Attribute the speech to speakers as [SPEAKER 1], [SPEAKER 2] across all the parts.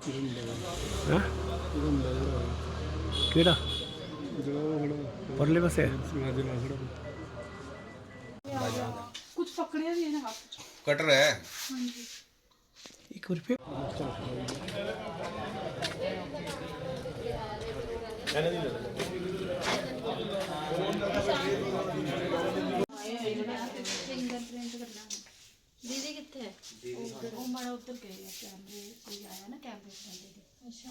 [SPEAKER 1] हाँ केड़ा परले पासे
[SPEAKER 2] कुछ पकड़िया भी है ना हाथ
[SPEAKER 3] कटर है।
[SPEAKER 1] एक रुपये
[SPEAKER 2] दीदी कितने है वो माड़ा उधर गए हैं कैमरे कोई आया ना कैमरे से दीदी अच्छा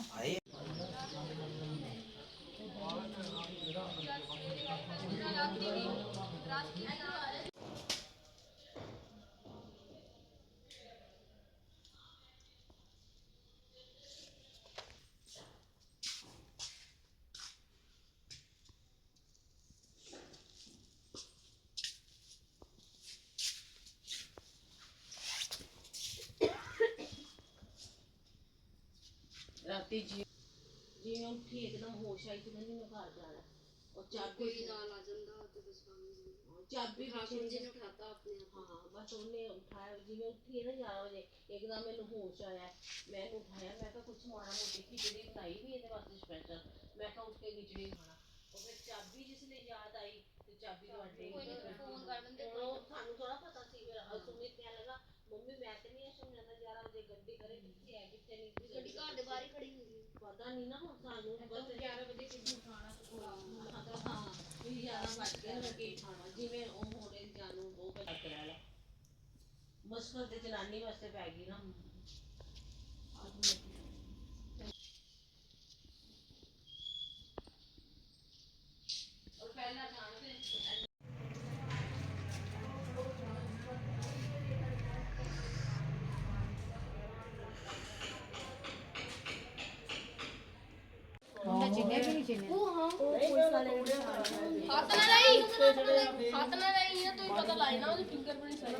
[SPEAKER 4] राती जी जिवें उठी एकदम होश आई तो मैंने घर जाना और चाबी नाल आ जांदा ते बस चाबी ठाकुर जी ने उठाता अपने हाँ बस उन्हें उठाया जिवें उठी है ना 11 बजे एकदम मैंने होश आया मैं उठाया मैं कहा कुछ माड़ा मोटी खिचड़ी बनाई भी ਇਹਦੇ ਵਾਸਤੇ स्पेशल मैं कहा उठ के खिचड़ी खाना और फिर चाबी जिसने याद आई तो चाबी ਤੁਹਾਡੇ फोन कर दिंदे ਸਾਨੂੰ थोड़ा पता सी फिर सुमित कहने लगा मम्मी मैं तो नहीं ऐसा जाना 11 बजे गड्डी करे किथे है किथे नहीं गड्डी घर ਦੇ ਬਾਹਰ ਹੀ ਖੜੀ ਹੁੰਦੀ पता नहीं ना ਹੁਣ ਸਾਨੂੰ ਬਸ 11 ਵਜੇ ਕਿੱਥੇ ਖਾਣਾ ਹਾਂ ਵੀ 11 ਵਜ ਗਏ ਨਾ ਕੀ ਖਾਣਾ ਜਿਵੇਂ ਉਹ ਹੋਰੇ ਜਾਨੂ ਉਹ ਬੱਤ ਰਹਿ ਲਾ ਮੁਸ਼ਕਲ ਤੇ ਜਨਾਨੀ ਵਾਸਤੇ ਪੈ ਗਈ ਨਾ और पहला खाना फिर हाथ ना नहीं है तो पता लाए ना उसके फिंगरप्रिंट सारे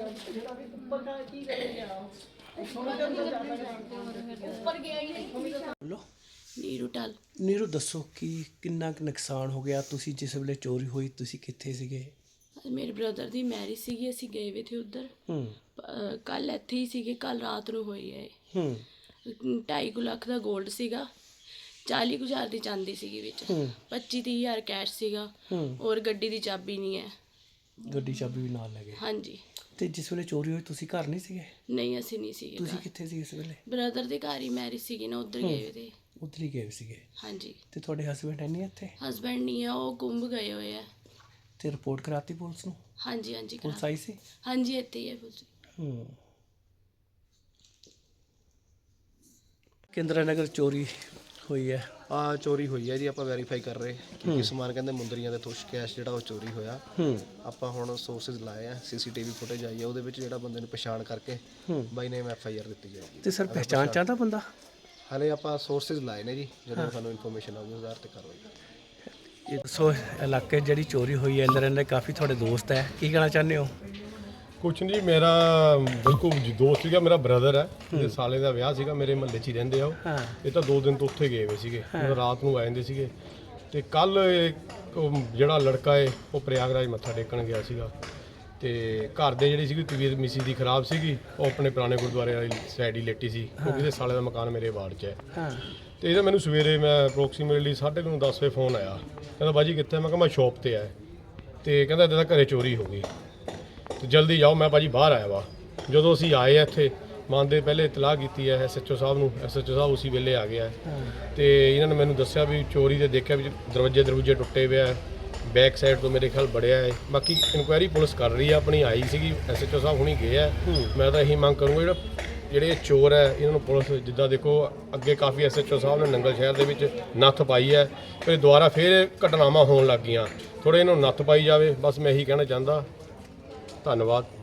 [SPEAKER 4] ऊपर गया ही नहीं
[SPEAKER 1] बोलो
[SPEAKER 4] नीरू टाल
[SPEAKER 1] नीरू दसो कि किन्ना कुछ नुकसान हो गया तुसी जिस वेले चोरी हुई तुसी कित्थे सीगे
[SPEAKER 4] मेरे ब्रदर दी मैरिज सीगी ਅਸੀਂ ਗਏ ਵੇ ਥੇ ਉਧਰ ਕੱਲ ਇੱਥੇ ਹੀ ਸੀਗੇ ਕੱਲ ਰਾਤ ਨੂੰ ਹੋਈ ਹੈ 2.5 ਲੱਖ ਦਾ 골ਡ ਸੀਗਾ 40,000 ਦੀ ਚਾਂਦੀ ਸੀਗੀ ਵਿੱਚ 25,000 ਕੈਸ਼ ਸੀਗਾ ਔਰ ਗੱਡੀ ਦੀ ਚਾਬੀ ਨਹੀਂ ਹੈ
[SPEAKER 1] ਗੱਡੀ ਚਾਬੀ ਵੀ ਨਾਲ ਲੈ ਗਏ
[SPEAKER 4] ਹਾਂਜੀ
[SPEAKER 1] ਤੇ ਜਿਸ ਵੇਲੇ ਚੋਰੀ ਹੋਈ ਤੁਸੀਂ ਘਰ ਨਹੀਂ ਸੀਗੇ
[SPEAKER 4] ਨਹੀਂ ਅਸੀਂ ਨਹੀਂ ਸੀਗੇ
[SPEAKER 1] ਤੁਸੀਂ ਕਿੱਥੇ ਸੀ ਇਸ ਵੇਲੇ
[SPEAKER 4] ਬ੍ਰਦਰ ਦੇ ਘਰ ਹੀ ਮੈਰਿਜ ਸੀਗੀ ਨਾ ਉਧਰ ਗਏ ਵੇ ਤੇ
[SPEAKER 1] ਉੱਧਰ ਹੀ ਗਏ ਸੀਗੇ
[SPEAKER 4] ਹਾਂਜੀ
[SPEAKER 1] ਤੇ ਤੁਹਾਡੇ ਹਸਬੰਡ ਹੈ ਨਹੀਂ ਇੱਥੇ
[SPEAKER 4] ਹਸਬੈਂਡ ਨਹੀਂ ਹੈ ਉਹ ਗੁੰਮ ਗਏ ਹੋਏ ਆ
[SPEAKER 1] ਤੇ ਰਿਪੋਰਟ ਕਰਾਤੀ ਪੁਲਿਸ ਨੂੰ
[SPEAKER 4] ਹਾਂਜੀ ਹਾਂਜੀ
[SPEAKER 1] ਪੁਲਿਸ ਆਈ ਸੀ
[SPEAKER 4] ਹਾਂਜੀ ਇੱਥੇ ਹੀ ਹੈ ਪੁਲਿਸ
[SPEAKER 1] ਕੇਂਦਰਾ ਨਗਰ ਚੋਰੀ ਹੋਈ ਹੈ
[SPEAKER 5] ਆ ਚੋਰੀ ਹੋਈ ਹੈ ਜੀ ਆਪਾਂ ਵੈਰੀਫਾਈ ਕਰ ਰਹੇ ਕਿ ਸਮਾਨ ਕਹਿੰਦੇ ਮੁੰਦਰੀਆਂ ਦੇ ਤੁਸ਼ ਕੈਸ਼ ਜਿਹੜਾ ਉਹ ਚੋਰੀ ਹੋਇਆ ਆਪਾਂ ਹੁਣ ਸੋਰਸਸ ਲਾਏ ਆ ਸੀਸੀਟੀਵੀ ਫੁਟੇਜ ਆਈ ਹੈ ਉਹਦੇ ਵਿੱਚ ਜਿਹੜਾ ਬੰਦੇ ਨੂੰ ਪਛਾਣ ਕਰਕੇ ਬਾਈ ਨੇਮ ਐਫਆਈਆਰ ਦਿੱਤੀ ਜਾਏਗੀ
[SPEAKER 1] ਤੇ ਸਰ ਪਹਿਚਾਣ ਚਾਹਦਾ ਬੰਦਾ
[SPEAKER 5] ਹਾਲੇ ਆਪਾਂ ਸੋਰਸਸ ਲਾਏ ਨੇ ਜੀ ਜਦੋਂ ਸਾਨੂੰ ਇਨਫੋਰਮੇਸ਼ਨ ਆਊਗੀ ਉਸ ਆਧਾਰ ਤੇ ਕਾਰਵਾਈ
[SPEAKER 1] ਸੋ ਇਲਾਕੇ ਜਿਹੜੀ ਚੋਰੀ ਹੋਈ ਹੈ ਅੰਦਰ ਇਹਦੇ ਕਾਫੀ ਤੁਹਾਡੇ ਦੋਸਤ ਹੈ ਕੀ ਕਹਿਣਾ ਚਾਹੁੰਦੇ ਹੋ
[SPEAKER 6] ਕੁਛ ਨਹੀਂ ਮੇਰਾ ਬਿਲਕੁਲ ਦੋਸਤ ਸੀਗਾ ਮੇਰਾ ਬ੍ਰਦਰ ਹੈ ਇਹਦੇ ਸਾਲੇ ਦਾ ਵਿਆਹ ਸੀਗਾ ਮੇਰੇ ਮਹੱਲੇ 'ਚ ਹੀ ਰਹਿੰਦੇ ਆ ਉਹ ਇਹ ਤਾਂ 2 ਦਿਨ ਤੋਂ ਉੱਥੇ ਗਏ ਹੋਏ ਸੀਗੇ ਰਾਤ ਨੂੰ ਆ ਜਾਂਦੇ ਸੀਗੇ ਤੇ ਕੱਲ ਜਿਹੜਾ ਲੜਕਾ ਹੈ ਉਹ ਪ੍ਰਯਾਗਰਾਜ ਮੱਥਾ ਟੇਕਣ ਗਿਆ ਸੀਗਾ ਤੇ ਘਰ ਦੇ ਜਿਹੜੀ ਸੀਗੀ ਤਬੀਅਤ ਮਿਸੀ ਦੀ ਖਰਾਬ ਸੀਗੀ ਉਹ ਆਪਣੇ ਪੁਰਾਣੇ ਗੁਰਦੁਆਰੇ ਵਾਲੀ ਸਾਈਡ ਹੀ ਲੇਟੀ ਸੀ ਕਿਉਂਕਿ ਇਹਦੇ ਸਾਲੇ ਦਾ ਮਕਾਨ ਮੇਰੇ ਵਾਰਡ 'ਚ ਹੈ ਤੇ ਇਹਦਾ ਮੈਨੂੰ ਸਵੇਰੇ ਮੈਂ ਅਪਰੋਕਸੀਮੇਟਲੀ 9:30 10 ਵਜੇ ਫੋਨ ਆਇਆ ਕਹਿੰਦਾ ਬਾਜੀ ਕਿੱਥੇ ਮੈਂ ਕਿਹਾ ਮੈਂ ਸ਼ੌਪ ਤੇ ਆ ਤੇ ਕਹਿੰਦਾ ਇੱਦਾਂ ਘਰੇ ਚੋਰੀ ਹੋ ਗਈ ਤੇ ਜਲਦੀ ਜਾਓ ਮੈਂ ਭਾਜੀ ਬਾਹਰ ਆਇਆ ਵਾ ਜਦੋਂ ਅਸੀਂ ਆਏ ਆ ਇੱਥੇ ਮੰਨਦੇ ਪਹਿਲੇ ਇਤਲਾਹ ਕੀਤੀ ਹੈ ਐਸਐਚਓ ਸਾਹਿਬ ਨੂੰ ਐਸਐਚਓ ਸਾਹਿਬ ਉਸੇ ਵੇਲੇ ਆ ਗਿਆ ਤੇ ਇਹਨਾਂ ਨੇ ਮੈਨੂੰ ਦੱਸਿਆ ਵੀ ਚੋਰੀ ਦੇ ਦੇਖਿਆ ਵੀ ਦਰਵਾਜ਼ੇ ਟੁੱਟੇ ਹੋਏ ਆ ਬੈਕ ਸਾਈਡ ਤੋਂ ਮੇਰੇ ਖਿਆਲ ਬੜਿਆ ਹੈ ਬਾਕੀ ਇਨਕੁਆਇਰੀ ਪੁਲਿਸ ਕਰ ਰਹੀ ਆ ਆਪਣੀ ਆਈ ਸੀਗੀ ਐਸਐਚਓ ਸਾਹਿਬ ਹੁਣੀ ਗਏ ਆ ਮੈਂ ਤਾਂ ਇਹੀ ਮੰਗ ਕਰੂੰਗਾ ਜਿਹੜੇ ਚੋਰ ਹੈ ਇਹਨਾਂ ਨੂੰ ਪੁਲਿਸ ਜਿੱਦਾਂ ਦੇਖੋ ਅੱਗੇ ਕਾਫੀ ਐਸਐਚਓ ਸਾਹਿਬ ਨੇ ਨੰਗਲ ਸ਼ਹਿਰ ਦੇ ਵਿੱਚ ਨੱਥ ਪਾਈ ਹੈ ਫਿਰ ਦੁਬਾਰਾ ਫਿਰ ਘਟਨਾਵਾਂ ਹੋਣ ਲੱਗ ਗਈਆਂ ਥੋੜ੍ਹੇ ਇਹਨਾਂ ਨੂੰ ਨੱਥ ਪਾਈ ਜਾਵੇ ਬਸ ਮੈਂ ਇਹੀ ਕਹਿਣਾ ਚਾਹੁੰਦਾ ਧੰਨਵਾਦ।